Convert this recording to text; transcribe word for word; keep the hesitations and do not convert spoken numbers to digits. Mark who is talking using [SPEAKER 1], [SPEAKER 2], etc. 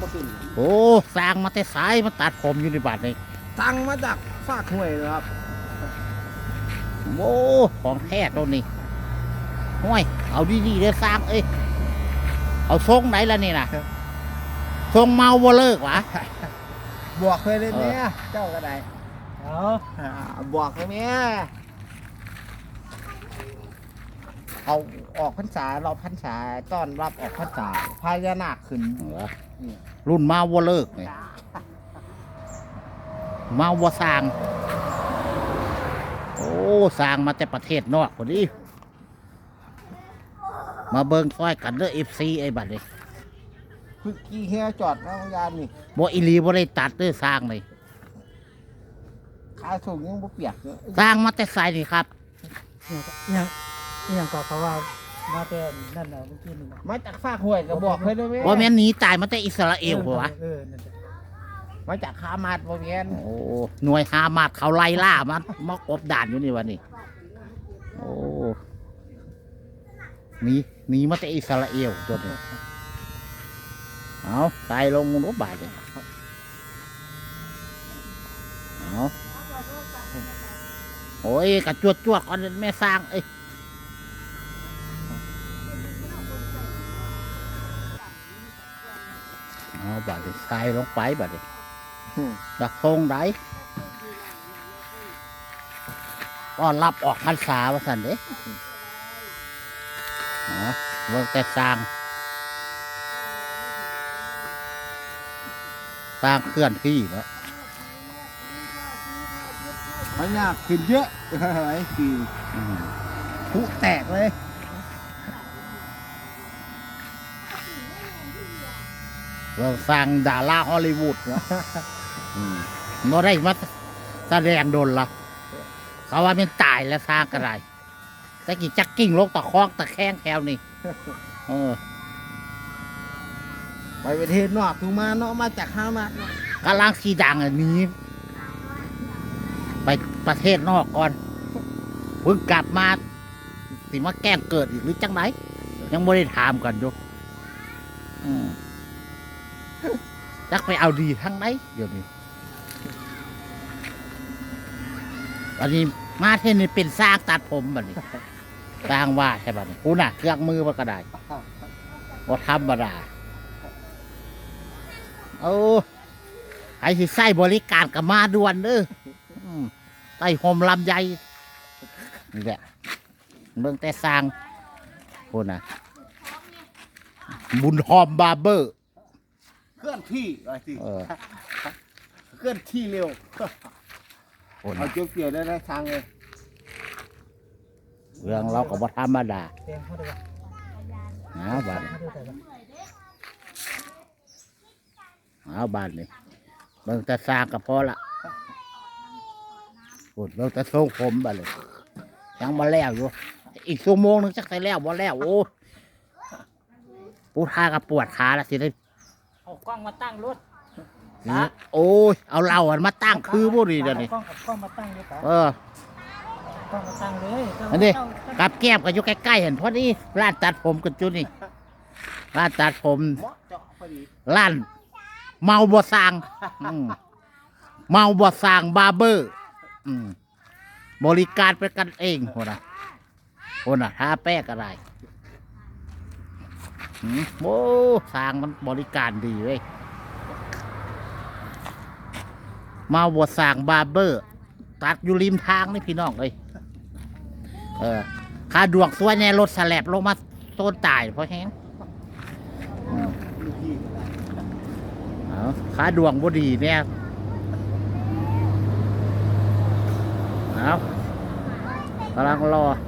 [SPEAKER 1] เป็น
[SPEAKER 2] โอ้สร้างมาแต่สายมาตัดผมอยู่ในบ้านนี่
[SPEAKER 1] สั่งมาจากฝากห้วยนะครับ
[SPEAKER 2] โอ้ของแท้ตัวนี้ห้วยเอาดีๆเด้อสร้างเอ้ยเอาทรงไหนล่ะนี่นะทรงเมาบ่เลิกวะ
[SPEAKER 1] บวกเลยเลยเนี่ยเจ้าก็ได้เอาบวกเลยเนี่ยเอาออกพรรษาเราพรรษาต้อนรับออกพรรษาพญานาคขึ้น
[SPEAKER 2] รุ่นเมาบ่เลิกเนี่ยเมาบ่สร้างโอ้สร้างมาแต่ประเทศนอกพอดีมาเบิ่งซอยกันเด้อ เอฟ ซี ไอ้บัดนี้
[SPEAKER 1] คือกี่เฮียจอดนะยานนี่
[SPEAKER 2] บ่อีหลีบ่ได้ตัดเด้อสร้างเลย
[SPEAKER 1] ขาสูงยังบ่เปียกเลย
[SPEAKER 2] สร้างมาแต่ไสนี่ครับ
[SPEAKER 3] ยังยังก็เขาว่ามาแต่นั่นน่ะเมื่อกี้นี่
[SPEAKER 1] มาจากฝากห้วยก็บอกเลยด้วย
[SPEAKER 2] บ่แม่นหนีตายมาแต่อิสราเอลบ่วะ
[SPEAKER 1] มาจากฮามาสบ่แม่น
[SPEAKER 2] โอ้หน่วยฮามาสเขาไล่ล่ามามากบดานอยู่นี่วะนี่โอ้หนีหนีมาแต่อิสราเอลตัวนี้เอาตายลงรถบาดเลยเอาโอ้ยกระจวดจวดก่อนแม่สร้างเอ้ยเอาบาดเลยใส่ลงไปบาดเลยดักทงได้ก็รับออกพรรษาว่าสันเด้เนาะเบิ่งแต่สร้างสร้างเคลื่อนที่เนาะ
[SPEAKER 1] พญานาคขึ้นเยอะอะไรกี่ผู้แตกเลย
[SPEAKER 2] เราสร้างดาราฮอลลีวูดเนาะเราได้มาแสดงโดนละเขาว่ามันตายแล้วสร้างกระไรแต่กี่จักกิ้งลกตะคอกตะแคงแถวนี่เออ
[SPEAKER 1] ไปประเทศนอกถูกมาเนาะมาจากฮามาส
[SPEAKER 2] กำลังสีดังอันนี้ไปประเทศนอกก่อนเพิ่งกลับมาสิมาแกล้งเกิดอีกหรือจังไหนยังไม่ได้ถามกันอยู่จักไปเอาดีทั้งไหนเดี๋ยวนี้ตอนนี้มาเท่นี่เป็นสร้างตัดผมแบบนี้สร้างว่าใช่ป่ะกูน่ะเครื่องมือมันก็ได้ว่าธรรมดาโอ้ไอ้ที่ใส่บริการกับมาด่วนเด้อใส่โฮมลำไยนี่แหละเมืองแต่สร้างคนน่ะบุญหอมบาร์เบอร์
[SPEAKER 1] เคลื่อนที่อะไรสิเคลื่อนที่เร็วเอาเกี่ยวเกี่ยวได้ทางเลย
[SPEAKER 2] เรื่องเรากับวัธรรมดาเอาบ้านเอาบ้านนี่เมืองแต่สร้างกับพอละพูดเมืองแต่ทรงผมบ้านเลยยังมาแล้วอยู่อีกชั่วโมงนึงจักใส่แล้วบ่แล้วโอ้ปูทากับปวดขาละสิได้
[SPEAKER 3] เอากล้องมาตั้งรถ
[SPEAKER 2] โอ้ยเอาเราอันมาตั้งคือบุรีเดี๋ยวนี้
[SPEAKER 3] กล้องกล้องมาตั้งเลย
[SPEAKER 2] เอ
[SPEAKER 3] อกล้องมาตั้งเลย
[SPEAKER 2] อันนี้กับแก้มกันอยู่ใกล้ๆเห็นพอดีร้านตัดผมกันจุดนี่ร้านตัดผมร้านเมาบ่สร้างเมาบ่สร้างบาร์เบอร์บริการเป็นกันเองคนน่ะคนน่ะทาแป้งอะไรโอ้สร้างมันบริการดีเลยมาบวชสร้างบาร์เบอร์ตัดอยู่ริมทางนี่พี่น้องเลยเออขาดวงสวยในรถสแลบลงมาโซนตายเพราะแห้งขาดวงบ่ดีเนี่ยเอากำลังรอ